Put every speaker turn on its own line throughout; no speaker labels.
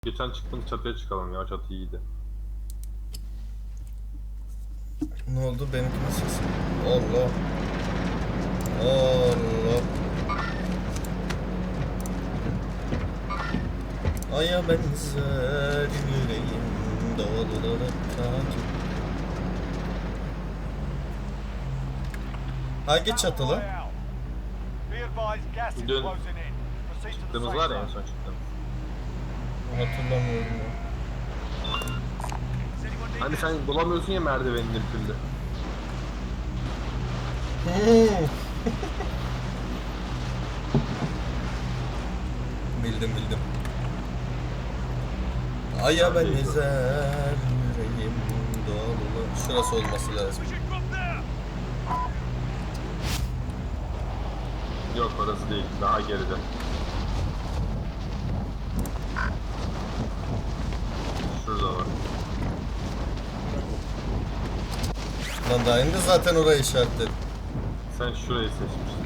Geçen çıktığımız çatıya çıkalım ya, çatı iyiydi.
Ne oldu benimkinin sesi? Allah. Allah. Aya benzer yüreğim dağları takip. Hangi çatı lan?
Dün çıktığımız var ya, en son çıktığımız.
Hatırlamıyorum ya.
Hani sen bulamıyorsun ya merdivenin bir türlü.
Bildim. Aya benzer yüreğim dağları. Şurası olması lazım.
Yok, orası değil, daha geride. Şurada var.
Lan daha indi zaten orayı işaretledim.
Sen şurayı seçmişsin.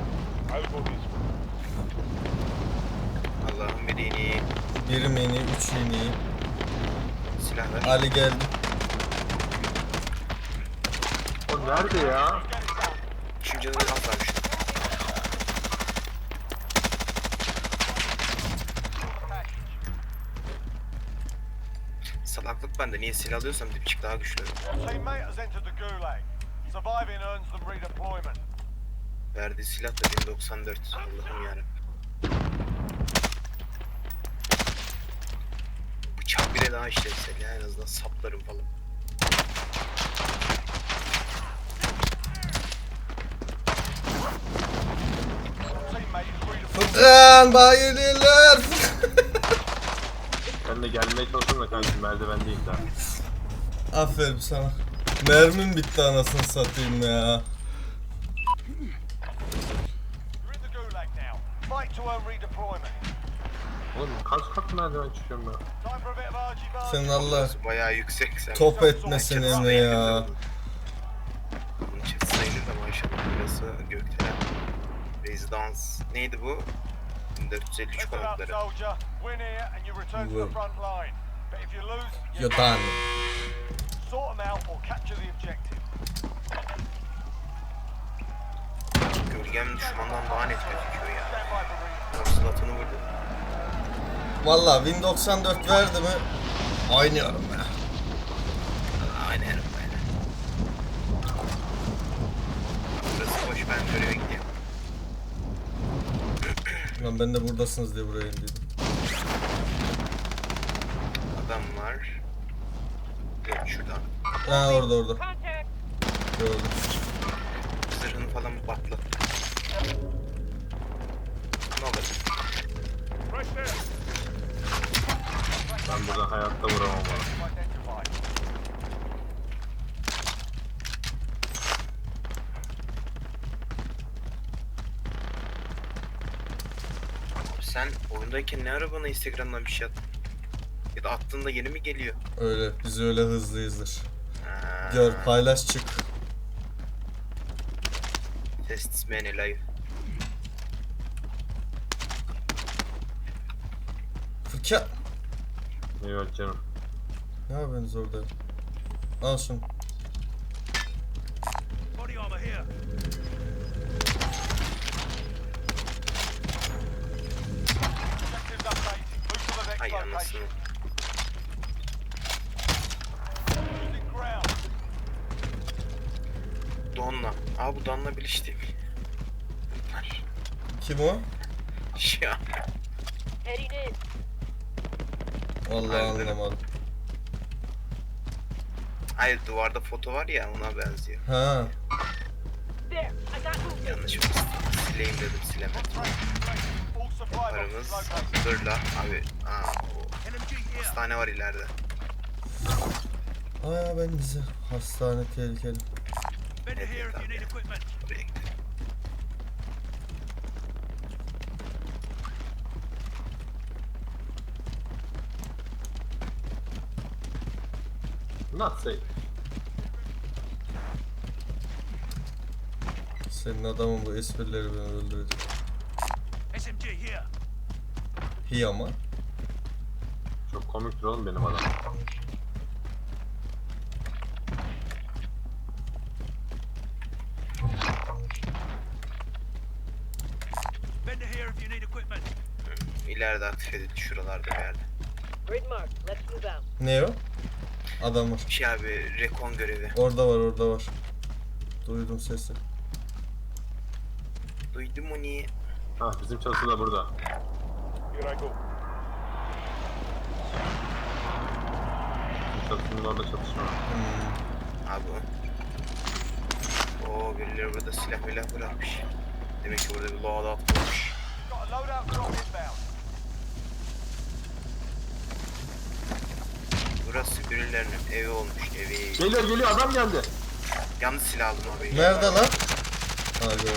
Allah'ım bir iğneyi.
Bir mini, 3 yeni.
Silah ver.
Ali geldi.
O nerede ya?
Şu canını kalkarmış. Salaklık bende. Niye silah alıyorsam dipçik daha güçlü.
Teammate has entered the gulag. Surviving earns them redeployment.
Verdiği silah da 1094. Allah'ım yarabbim. Bıçak bile daha işlevsel ya, en azından saplarım falan.
Teammate is redeployed.
Furkan bayılırlar.
Ben de gelmeye çalışıyorum da kanka, merdivendeyim daha.
Aferin sana. Mermim bitti anasını satayım ya.
You're in the gulag now. Fight to earn redeployment.
Oğlum kaç merdiven çıkıyorum ben?
Time for a bit of argy-bargy.
Senin Allah
Bayağı yüksek sen.
top etmesin Emre ya.
Bunun çift sayılır da maşallah. Burası gökdelen. Residence. Neydi bu? 1453
Listen up,
konukları.
soldier. Win here and you return to the front line. But if you lose,
You're done.
sort them out or capture the objective.
Gölgem düşmandan daha net gözüküyor ya.
Stand by for redeployment.
Konsulatını vurdu.
Valla Win 94 verdi mi? Oynuyorum ya.
Aynen öyle. Burası boş, ben göreve gidiyorum.
Lan ben de buradasınız diye buraya indim.
Adam var. Yok şurada.
Ha orada. Gördüm.
Zırhını falan patlat. Ne olur.
Ben burada hayatta vuramam bana.
Identified.
Sen oyundayken ne ara bana Instagram'dan bir şey attın? Ya da attığında yeni mi geliyor?
Öyle. Biz öyle hızlıyızdır.
Ha,
Gör paylaş çık.
Test many live.
Fırka.
Evet canım.
Ne yapıyorsunuz orada? Al şunu.
Body armor here. Objectives updated. Move to the next
Ay anasını.
location. Losing ground.
Donla. Aa bu Donla Bilic değil mi? Bunlar.
Kim o?
Ya.
Vallahi
Harbiden.
anlamadım.
Hayır, duvarda foto var ya, ona benziyor.
Ha.
Yanlış mı? Sileyim dedim, silemedim.
All supply
Paramız
boxes located.
zırla abi. Aa, o hastane var ileride.
Aya ben bize. Hastane tehlikeli.
Better here if you need equipment.
Oraya gidelim.
Not safe.
Senin adamın bu esprileri beni öldürecek.
SMG here.
Hi ama.
Çok komiktir oğlum benim adam.
Bend here if you need equipment.
İleride aktif edildi şuralarda bir yerde.
Grid mark. Let's move out.
Ne o? Adam var.
Şey abi rekon görevi.
Orada var, orada var. Duydum sesi.
Duydum onu.
Ha bizim çatı da burada.
Here I go.
Bizim çatının orada çatışma var.
Abi o. Oo birileri burada silah bırakmış. Demek ki burada bir loadout olmuş.
Got a loadout drop inbound.
Burası birilerinin evi olmuş, evi.
Geliyor adam geldi.
Yanlış silah aldım abi.
Nerede lan? Ha gördüm.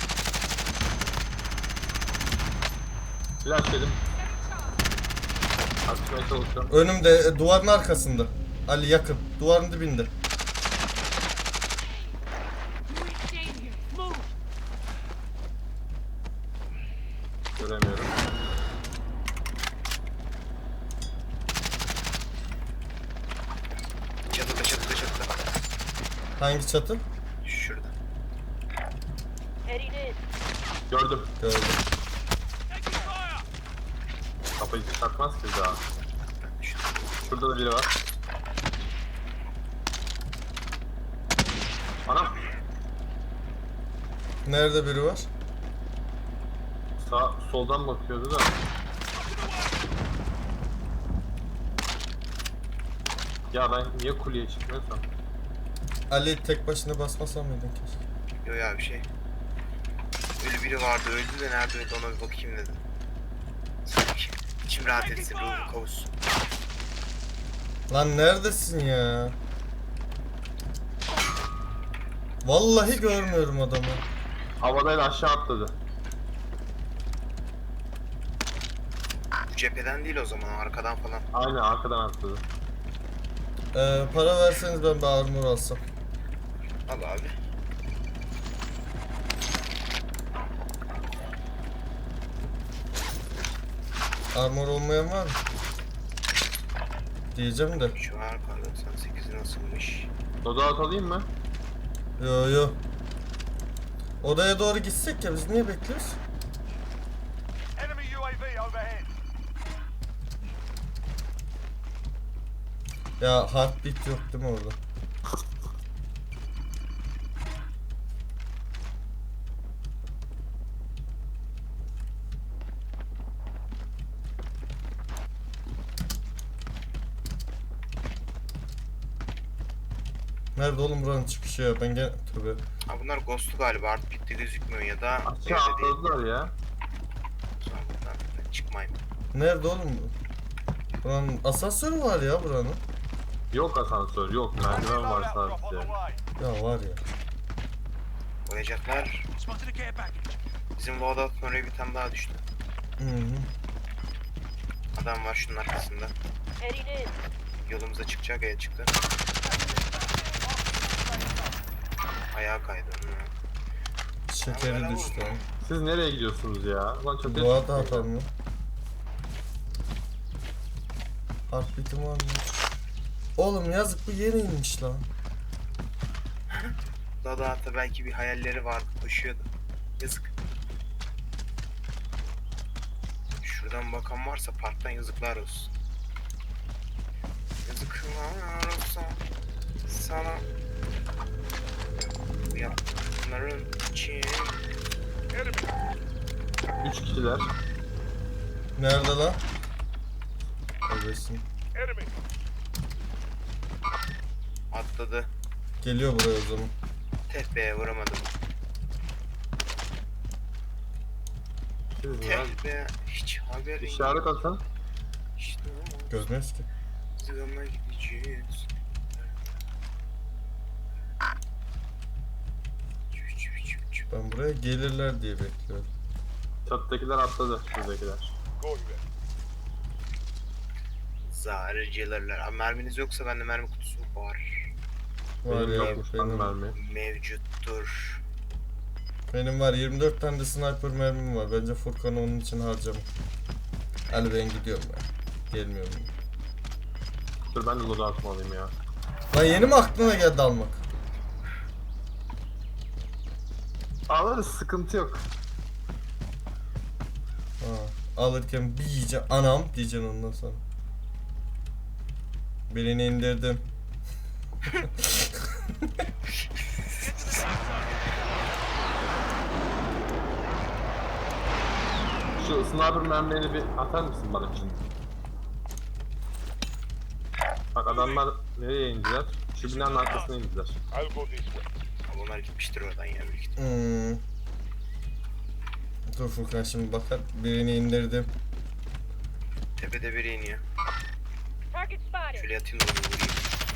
Flash yedim. Açmaya çalışıyorum.
Önümde, duvarın arkasında. Ali yakın. Duvarın dibinde.
Göremiyorum.
Çatıda.
Hangi çatı?
Şurada.
Heading in.
Gördüm.
Gördüm.
Kafayı çıkartmaz ki daha. Şurada da biri var. Anam.
Nerede biri var?
Soldan bakıyordu da. Ya ben niye kuleye çıkmıyorsam?
Ali tek başına basmasam mıydın keşke?
Yok ya bir şey. Öyle biri vardı öldü de nerede öldü ona bir bakayım dedim. Sanki içim rahat etsin ruhum kavuşsun.
Lan neredesin ya? Vallahi görmüyorum adamı.
Havadayla aşağı atladı.
Bu cepheden değil o zaman arkadan falan.
Aynen arkadan atladı.
Para verseniz ben bir armor alsam.
Al abi.
Armor olmayan var mı? Diyeceğim de.
Şu an kar 98 nasılmış?
Loadout alayım mı?
Yo. Odaya doğru gitsek ya, biz niye bekliyoruz?
Enemy UAV overhead.
Ya heartbeat yok değil mi orada? Nerede oğlum buranın çıkışı ya? Ben gene... Tövbe.
Ha bunlar ghost'u galiba artık bitti gözükmüyor ya da
Aşağı
evde değil.
atladılar ya.
Sonra buradan çıkmayayım.
Nerede oğlum bu? Buranın asansörü var ya buranın.
Yok asansör yok. Merdiven var
Loadout drop on the
sadece.
way.
Ya var ya.
Oyacaklar.
Spotted a care package.
Bizim loadout'un oraya bir tane daha düştü.
Hı.
Adam var şunun arkasında.
Heading in.
Yolumuza çıkacak ya çıktı. Ayağa kaydı.
Şekeri düştü.
Siz nereye gidiyorsunuz ya? Lan çok
Bu arada atalım ya. Heartbeat'im var mı? Oğlum yazık, bu yeni inmiş lan.
Loadout'ta belki bir hayalleri vardı koşuyordu. Yazık. Şuradan bakan varsa parktan yazıklar olsun. Yazıklar olsun sana. Bu yaptıkların için.
3 kişiler.
Nerede lan? Neredesin?
Enemy.
Atladı.
Geliyor buraya o zaman.
Tepeye vuramadım.
Siz ya.
Tepeye hiç haberin yok.
İşaret atın.
İşte o.
Görmüyoruz ki.
Zıgama gideceğiz.
Ben buraya gelirler diye bekliyorum.
Çatıdakiler atladı. Şuradakiler.
Go here.
Zarcılarlar. Abi merminiz yoksa bende mermi kutusu var.
Var
Benim
ya
yokmuş lan
benim.
mermi.
Mevcuttur.
Benim var 24 tane de sniper mermim var. Bence Furkan'ı onun için harcamam. Ali ben gidiyorum ya. Gelmiyorum.
Dur ben de loadout atma alayım ya.
Lan yeni mi aklına geldi almak?
Alırız, sıkıntı yok.
Ha, alırken bir yiyeceğim. Anam diyeceksin ondan sonra. Birini indirdim.
Şu sniper mermilerini bir atar mısın bana şimdi? Bak adamlar nereye indiler? Şu binanın arkasına indiler.
I'll go this way.
Ama onlar gitmiştir oradan ya büyük ihtimalle.
Dur Furkan şimdi bakar. Birini indirdim.
Tepede biri iniyor.
Target spotted.
Şöyle yatayım da onu vurayım.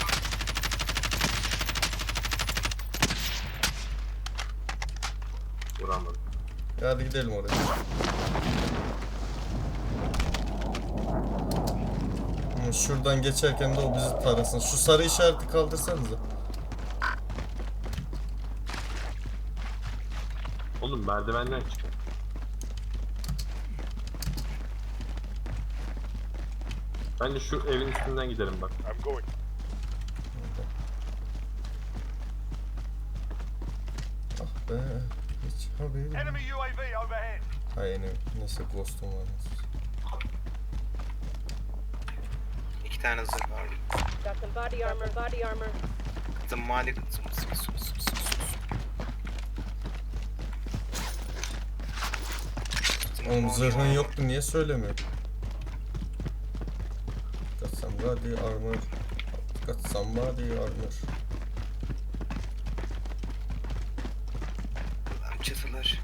Vuramadım.
Hadi gidelim oraya. Şuradan geçerken de o bizi tarasın. Şu sarı işareti kaldırsanıza.
Oğlum merdivenden çık. Bence şu evin üstünden gidelim bak.
I'm going.
Ah be. Hiç haberim.
Enemy UAV overhead.
Hayır neyse ghost'um var.
İki tane zırh var.
Got some body armor. Body armor.
Kızım mali kızım.
Oğlum zırhın yoktu niye söylemiyorsun? Got somebody armor. Got somebody armor.
Lan çatılar.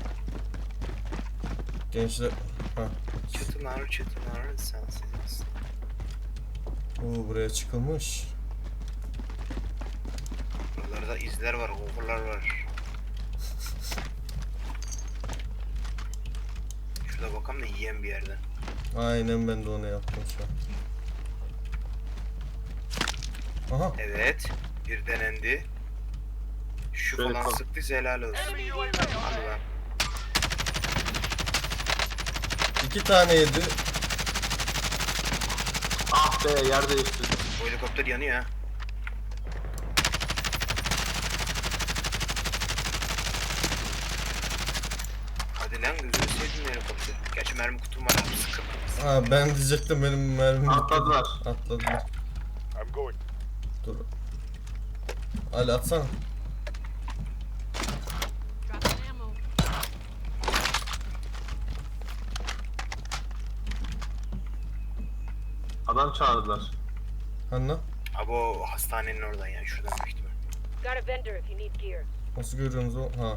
Gençler. Ha.
Çatılar sensiz.
Oo, buraya çıkılmış.
Buralarda izler var, overlar var. Şurada bakalım da yiyen bir yerden.
Aynen ben de onu yaptım şu an. Aha.
Evet, bir denendi. Şu
Böyle
falan
kal.
sıktıysa helal olsun.
Enemy UAV
Hadi
overhead.
lan.
2 tane yedi.
Ah be yer değiştirdim.
Bu helikopter yanıyor ha. Hadi lan gözünü sevdim helikopter. Gerçi mermi kutum var abi sıkıntı.
Ha ben diyecektim benim mermim
Atladılar.
Atladılar.
I'm going.
Dur. Ali atsana.
Dropping ammo.
Adam çağırdılar.
Hanna.
Abi o hastanenin oradan yani şuradan büyük ihtimal.
Got a vendor if you need gear.
Nasıl görüyorsunuz o? Ha.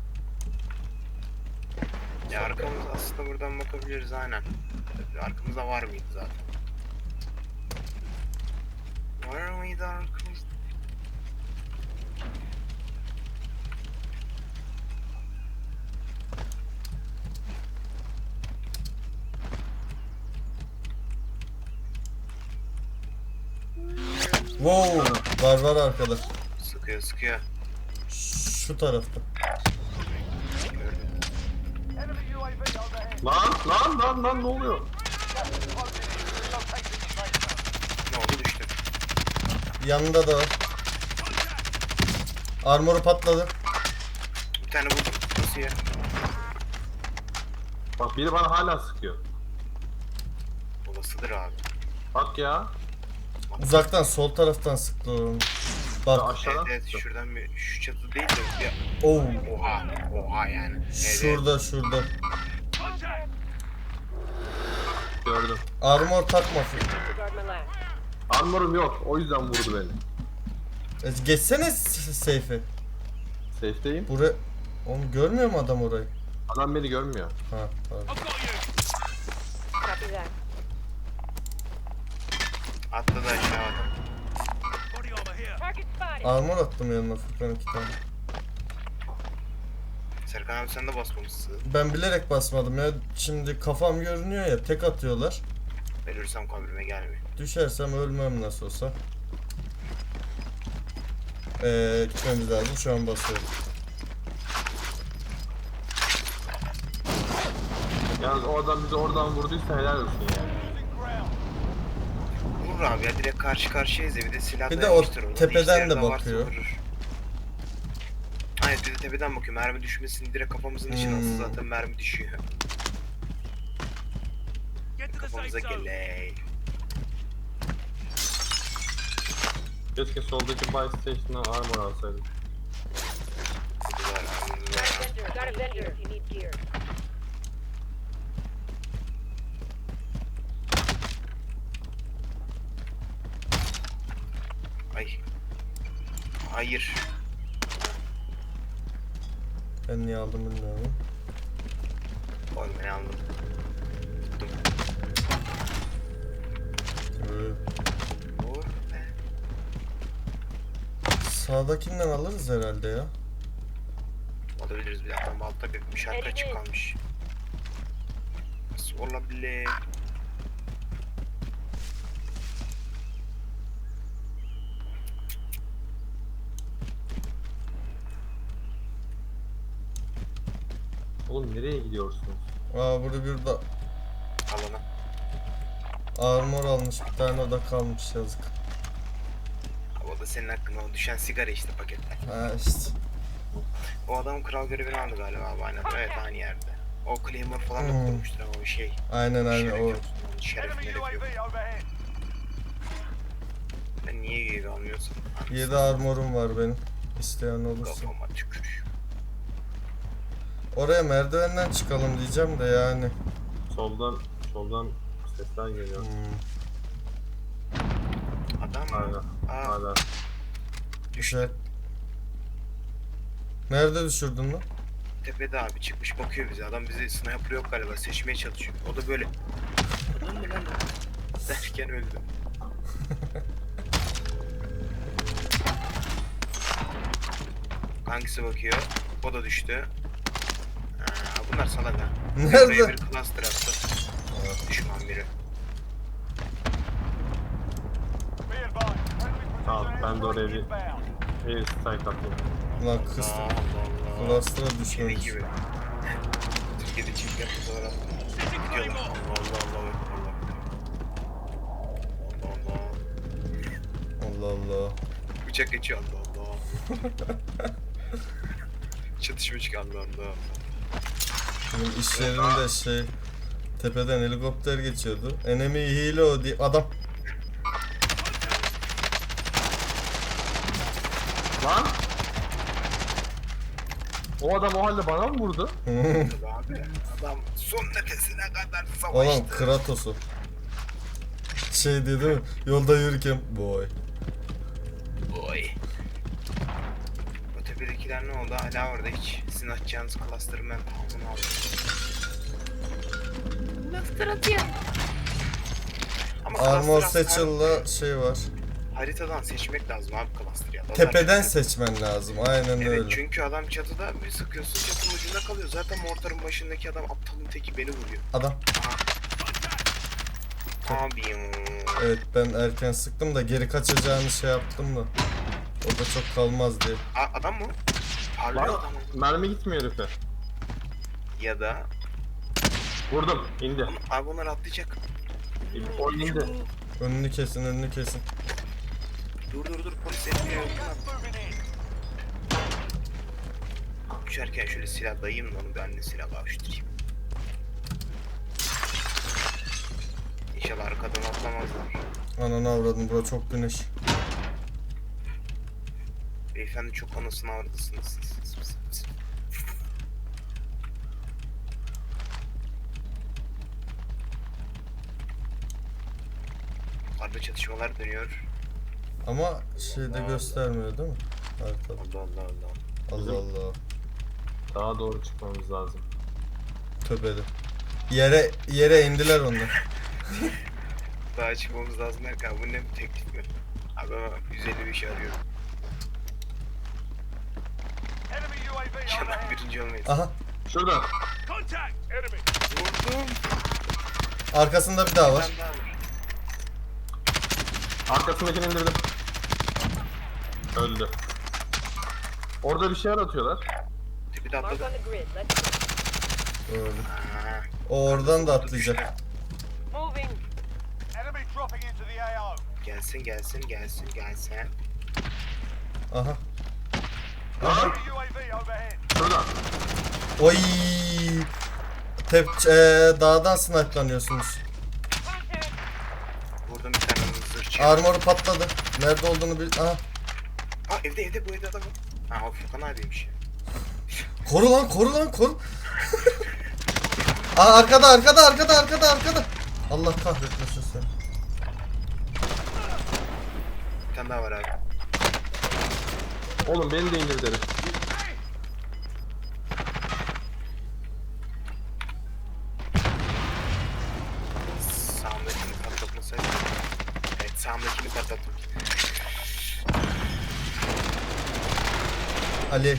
Ya arkamıza aslında buradan bakabiliriz aynen. Arkamızda var mıydı zaten? Var mıydı arkamızda?
Wow. Var arkada.
Sıkıyor.
Şu tarafta.
Gördüm.
Enemy UAV overhead.
Lan ne oluyor?
Relocating the safe zone.
Ne oldu düştüm.
Yanında da var. Armoru patladı.
Bir tane vurdum. Nasıl ya?
Bak biri bana hala sıkıyor.
Olasıdır abi.
Bak ya.
Uzaktan sol taraftan sıktı onu. Bak.
Aşağıdan
Evet
sıktı.
şuradan bir şu çatı değil de ya.
Oh.
Oha yani. Evet.
Şurada.
Gördüm.
Armor takma.
Disregard my last.
Armorum yok. O yüzden vurdu beni.
Geçsene seyfe.
Safe'deyim.
Buraya. Onu görmüyor mu adam orayı?
Adam beni görmüyor.
Ha, pardon.
Copy that.
Atladı aşağıda.
Body armor here.
Target spotted.
Armor attım yanına Furkan 2 tane.
Serkan abi sen de basmamışsın.
Ben bilerek basmadım ya. Şimdi kafam görünüyor ya. Tek atıyorlar.
Ölürsem kabrime gelmiyor.
Düşersem ölmem nasıl olsa. Gitmemiz lazım. Şu an basıyorum.
Yalnız o adam bizi oradan vurduysa helal olsun ya.
Losing ground.
vurur abi ya, direkt karşı karşıyayız ya, bir de silah
Bir de o
dayamıştır orada.
tepeden
İşleri
de
varsa
bakıyor.
vurur. Aynen, bir de tepeden bakıyor, mermi düşmesin direkt kafamızın içine alsa zaten mermi düşüyor. Kafamıza geley.
Keşke soldaki buy station'dan armor alsaydım.
Hadi var abi,
Got a vendor. Got a vendor if you need gear.
Ay. Hayır.
Ben niye aldım bilmiyorum.
Oğlum beni aldım. Tuttum. Vur be.
Sağdakinden alırız herhalde ya.
Alabiliriz bir dakika, altta bir şarkı açık kalmış. Nasıl olabilir?
Oğlum nereye gidiyorsunuz?
Aa burada bir de
Alana.
armor almış, bir tane o da kalmış, yazık.
Abi o da senin hakkında, o düşen sigara işte paketler.
Ha işte.
O adam kral görevini aldı galiba abi, aynen. Evet, aynı yerde. O Claymore falan da kurmuştur ama o şey.
Aynen aynen o.
Şerefine
Enemy
yapıyor.
UAV overhead.
Ben niye UAV almıyorsam?
7 armorum var benim. İsteyen olursa.
Kafama tükür.
Oraya merdivenden çıkalım diyeceğim de yani.
Soldan sesler geliyor.
Adam mı?
Hala.
Aa,
Hala.
Güzel. Nerede düşürdün lan?
tepede abi, çıkmış bakıyor bize. Adam bizi sniper yok galiba, seçmeye çalışıyor. O da böyle. Adam mı lan o? Derken öldü. Hangisi bakıyor? O da düştü. Bunlar salak ha.
Nerede?
Oraya bir cluster attı. Düşman biri.
Be advised. Friendly
Tamam,
precision
ben de oraya
airstrike
bir-
inbound.
Air strike atayım.
Lan kız.
Allah Allah.
Cluster'a
Şey
düşmemiş.
gibi. Türkiye'de çift yapması var aslında. Gidiyorlar. Allah Allah Allah.
Allah Allah.
Bıçak geçiyor, Allah Allah. Çatışma çıkıyor, Allah Allah.
Benim iş yerinde şey, tepeden helikopter geçiyordu. Enemy helo diye adam.
Lan! O adam o halde bana mı vurdu?
Abi adam son nefesine kadar savaştı.
Oğlum Kratos'u. Şey diyor değil mi? Yolda yürürken boy.
Oy. O tepedekiler ne oldu? Hala orada hiç. Sizin atacağınız cluster'ı ben tamamını aldım. Cluster atıyor. Ama
Armor
cluster
Satchel'la şey var.
haritadan seçmek lazım abi cluster ya. Lazer
Tepeden
çıkıyor.
seçmen lazım. Aynen
Evet,
öyle.
çünkü adam çatıda, bir sıkıyorsun çatının ucunda kalıyor. Zaten mortarın başındaki adam aptalın teki, beni vuruyor.
Adam.
Abi
Evet ben erken sıktım da geri kaçacağını şey yaptım da. O da çok kalmaz diye.
Adam mı? Parlıyor
Lan
adam mı?
mermi gitmiyor herife.
Ya da
Vurdum. İndi.
abi onlar atlayacak.
O indi.
Önünü kesin, önünü kesin.
Dur polis etmiyor.
Moving in.
Uçarken şöyle silah dayayım da onu, ben de silah bağıştırayım. İnşallah arkadan atlamazlar.
Ananı avradım, bura çok güneş.
Beyefendi çok anasını avradısınız. Yukarıda çatışmalar dönüyor.
Ama şeyde göstermiyor değil mi? Haritada.
Allah Allah Allah.
Allah Allah.
Daha doğru çıkmamız lazım.
Tövbeli. Yere indiler onlar.
Daha çıkmamız lazım derken bu ne bir teklif mi? Abi ben 150 bir şey arıyorum.
Enemy UAV
İnşallah
overhead.
birinci olmayız.
Aha.
Şurada.
Contact. Enemy.
Vurdum.
Arkasında bir daha var.
Ben daha var.
Arkasındakini indirdim. Öldü. Orada bir şeyler atıyorlar.
Tepede
Mark
atladı.
on the grid. Let's
Öyle.
Ha,
O oradan da atlayacak.
moving.
Enemy dropping into the the AO.
Gelsin gelsin gelsin gelsin.
Aha.
Enemy UAV overhead.
Şurada.
Oy. Dağdan snipe'lanıyorsunuz.
Vurdum bir tane zırhçı.
Armoru patladı. Nerede olduğunu bil... Aha.
Aa evde bu evde adam var. Ha o Furkan abiymiş ya.
Koru lan koru. Aa arkada. Allah kahretmesin seni.
Bir tane daha var abi.
Oğlum beni de indir derim.
Sağımdakini patlatmasaydı. Evet sağımdakini patlattım.
Ali.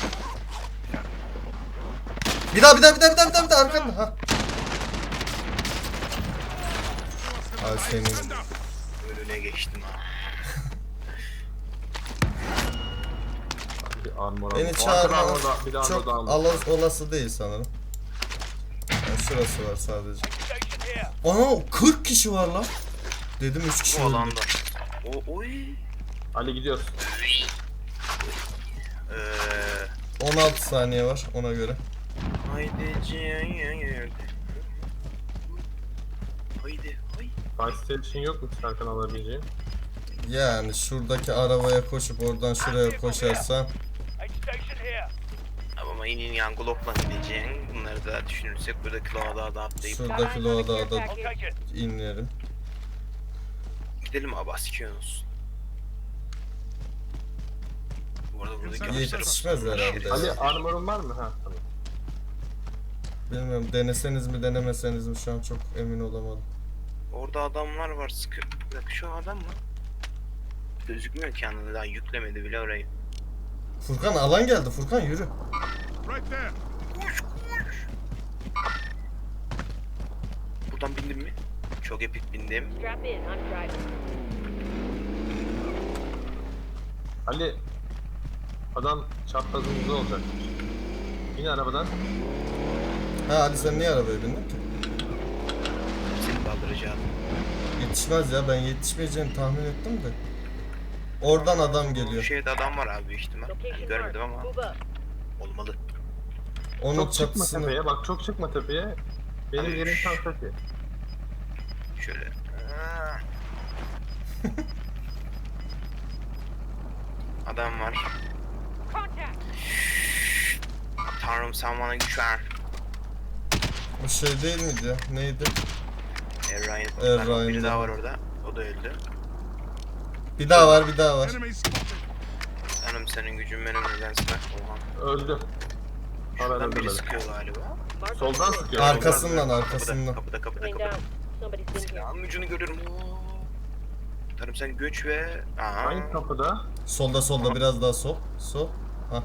Bir daha arkanda. Ha. Ay senin.
Önüne geçtim ha.
Bir armor
Beni
aldım.
çağırmanız
Bir de armor
çok
daha aldım.
olası değil sanırım. Yani şurası var sadece.
Station here.
Ana 40 kişi var lan. Dedim 3 kişi
O
öldü.
alanda. Oy.
Ali gidiyoruz.
16 saniye var ona göre.
Haydi ciğer. Haydi.
Fire station yok mu Serkan alabileceğin?
Yani şuradaki arabaya koşup oradan şuraya koşarsan
Aid station here.
Ama inin yan Glock'la gideceğin. Bunları da düşünürsek burada Kloa'da da atlayıp
şuradaki loada da
I'll take it.
inerim.
gidelim abi Askiyonos. Bu arada burada gömüşler.
Yetişmez herhalde.
Ali armorun var mı? Ha tamam.
Bilmiyorum deneseniz mi denemeseniz mi şu an çok emin olamadım.
Orada adamlar var sıkı. Bir dakika şu adam mı? Gözükmüyor ki anında daha yüklemedi bile orayı.
Furkan alan geldi. Furkan yürü.
Koş. Buradan bindim mi? Çok epik bindim.
Strap in. I'm driving.
Ali adam çaprazımızda olacak. Yine arabadan.
Ha Ali sen niye arabaya bindin ki?
Seni kaldıracağım.
Yetişmez ya ben yetişmeyeceğini tahmin ettim de. Oradan adam
Bu
geliyor.
şeyde adam var abi büyük ihtimal. Ben
Location
görmedim
marked.
ama
Move up.
olmalı.
Onun
Çok çıkma
çatısını.
tepeye. Bak çok çıkma tepeye. Benim
Ali,
yerim tam tepe.
Şöyle. Aa. Adam var.
Contact.
Tanrım sen bana güç ver.
Bu şey değil miydi ya? Neydi?
Erray'ın.
Erray'ın
Biri daha
da.
var orada. O da öldü.
Bir daha var.
Tanrım senin gücün benim nedense. Oha.
Öldü. Hala
Şuradan biri
öldürmedi.
sıkıyor galiba.
Mark
Soldan sıkıyor.
Arkasından
Kapıda,
arkasından.
Kapıda.
Laying down. Somebody's been here.
Silahın ucunu görüyorum. Oo. Tanrım sen göç ve... Aa.
Hangi kapıda?
Solda biraz daha sol. Sol. Ha.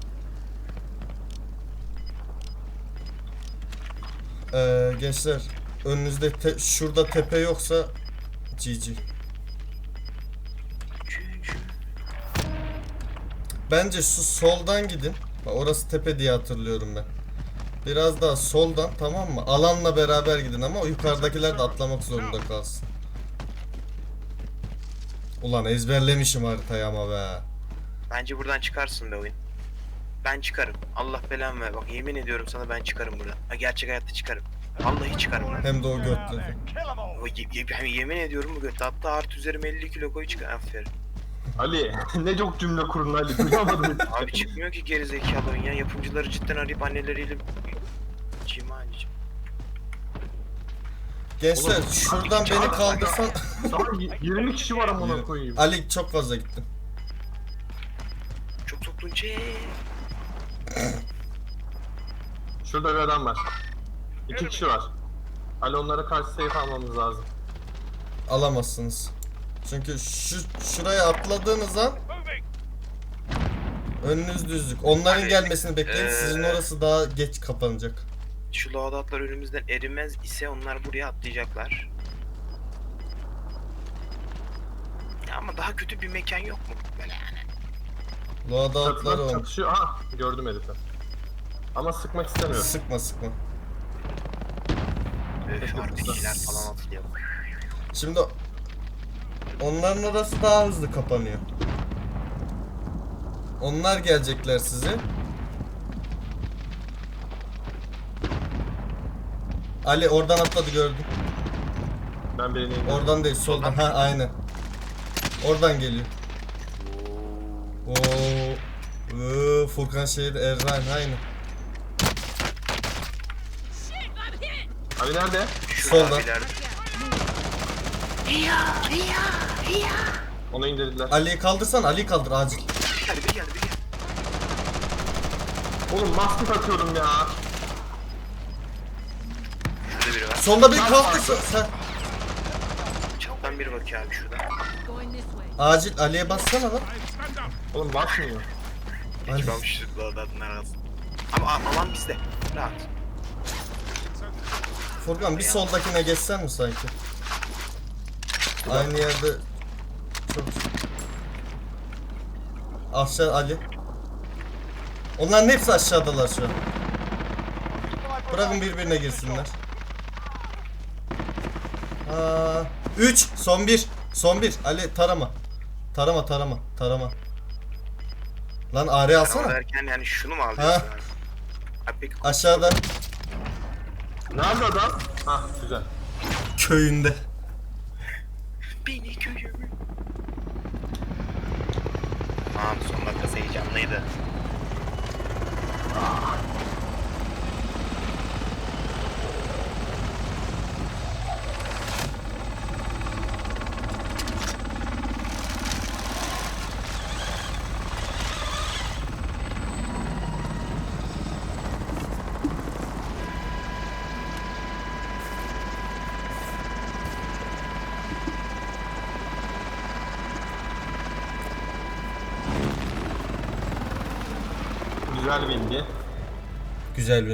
Gençler önünüzde şurada tepe yoksa GG. Bence şu soldan gidin. Bak orası tepe diye hatırlıyorum ben. Biraz daha soldan tamam mı? Alanla beraber gidin ama o yukarıdakiler de atlamak zorunda kalsın. Ulan ezberlemişim haritayı ama be.
Bence buradan çıkarsın be oyun. Ben çıkarım. Allah belamı ver. Bak yemin ediyorum sana ben çıkarım buradan. Ha, gerçek hayatta çıkarım. Vallahi çıkarım lan.
Hem de o
Get out
götlü.
there. Kill 'em all.
Ben yemin ediyorum bu göt. Hatta artı üzerime 50 kilo koy çıkar. Aferin.
Ali ne çok cümle kurun Ali. Duyamadım.
Abi çıkmıyor ki geri zekalı oyun ya. Yapımcıları cidden arayıp anneleriyle cima anneciğim.
Gençler
Oğlum,
şuradan beni kaldırsan...
Daha 20 kişi var amına
Yürü.
koyayım.
Ali çok fazla gittin.
Çok soktun çek.
Şurada bir adam var. 2 kişi var. Ali onlara karşı safe almamız lazım.
Alamazsınız. Çünkü şuraya atladığınız an
Moving.
önünüz düzlük. Onların
Ali,
gelmesini bekleyin. Sizin orası daha geç kapanacak.
Şu loadoutlar önümüzden erimez ise onlar buraya atlayacaklar. Ya ama daha kötü bir mekan yok mu? Böyle yani.
Loadoutları
Çatılar
olmuş.
çatışıyor. Aha gördüm herifi. Ama sıkmak istemiyor.
Sıkma.
Öf RPG'ler falan atılıyor.
Şimdi Onların orası daha hızlı kapanıyor. Onlar gelecekler size. Ali oradan atladı gördüm.
Ben birini indirdim.
Oradan değil soldan. Ha aynen. Oradan geliyor. Oo. Furkan şehir Errain aynen.
Ali nerede?
Şurada
Solda.
ileride.
Onu indirdiler.
Ali'yi kaldırsan Ali'yi kaldır acil.
Bir geldi bir geldi bir geldi.
Oğlum maskot atıyorum ya.
Şurada biri var.
Sonda bir kalktı sen.
Çaptan biri bakıyor abi şurada.
Going this way.
Acil Ali'ye bassana lan.
Oğlum basmıyor.
Ekip almış şurada adamın arası. Ama alan bizde. Rahat.
Furkan bir soldakine geçsen mi sanki? Aynı yerde çok aşağı Ali. Onların hepsi aşağıdalar şu an. Bırakın birbirine girsinler. 3 son 1. Son 1. Ali tarama. Tarama. Lan AR
Ama
alsana.
derken yani şunu mu
Ha.
alıyorsun abi? Abi peki
Aşağıda
Nerede adam? Hah güzel.
köyünde.
beni köyümü. Tamam son dakikası heyecanlıydı.
Güzel bilgi.
Güzel bir